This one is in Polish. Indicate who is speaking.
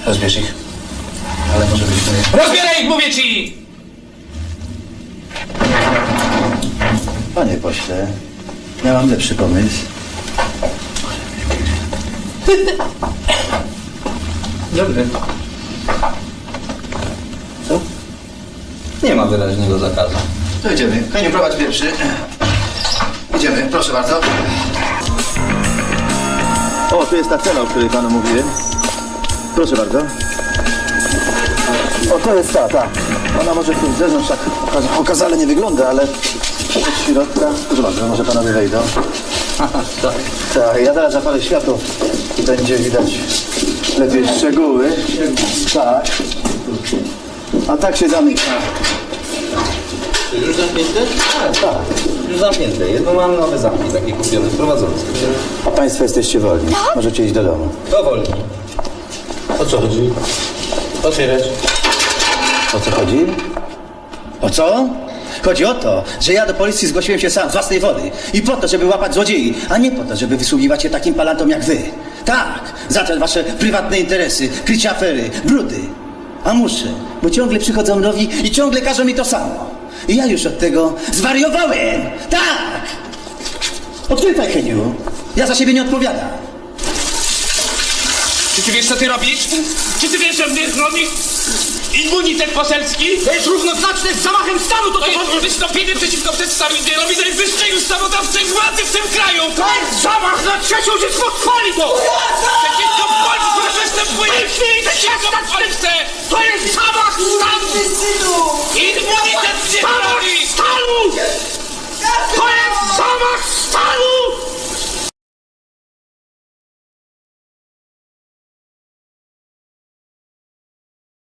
Speaker 1: Rozbierz ich. Ale może byśmy...
Speaker 2: Rozbieraj ich, mówię ci!
Speaker 1: Panie pośle, miałam lepszy pomysł.
Speaker 2: Dobry.
Speaker 1: Co?
Speaker 2: Nie ma wyraźnego zakazu.
Speaker 1: To idziemy. Heniu, prowadź pierwszy. Idziemy, proszę bardzo. O, tu jest ta cela, o której panu mówiłem. Proszę bardzo. O, to jest ta. Ona może tu z zewnątrz tak okazale nie wygląda, ale od środka... Proszę bardzo, może panowie wejdą.
Speaker 2: Tak.
Speaker 1: Tak, ja teraz zapalę światło i będzie widać lepiej szczegóły. Tak. A tak się zamyka.
Speaker 2: Czy już zamknięte?
Speaker 1: Tak.
Speaker 2: Już zamknięte. Jedno mam nowe zamki, takie kupione, sprowadzone z Kościoła.
Speaker 1: A państwo jesteście wolni. Możecie iść do domu.
Speaker 2: Powolni. O co chodzi? Otwierać.
Speaker 1: O co chodzi? O co? Chodzi o to, że ja do policji zgłosiłem się sam, z własnej woli. I po to, żeby łapać złodziei, a nie po to, żeby wysługiwać się takim palantom jak wy. Tak, za te wasze prywatne interesy, krycie afery, brudy. A muszę, bo ciągle przychodzą nowi i ciągle każą mi to samo. I ja już od tego zwariowałem. Tak! Odkrytaj, Heniu. Ja za siebie nie odpowiadam.
Speaker 3: Czy ty wiesz, co ty robisz? Czy ty wiesz, że mnie chroni immunitet poselski?
Speaker 4: To jest równoznaczne z zamachem stanu,
Speaker 3: To jest wystąpienie przeciwko przedstawicielowi najwyższej ustawodawczej władzy w tym kraju!
Speaker 4: To jest zamach na trzecią Rzeczpospolitą!
Speaker 3: Przeciwko Polsce występuje! Przeciwko Polsce!
Speaker 4: To jest zamach stanu!
Speaker 3: Immunitet mnie
Speaker 4: Zamach
Speaker 3: chroni!
Speaker 4: stanu! To jest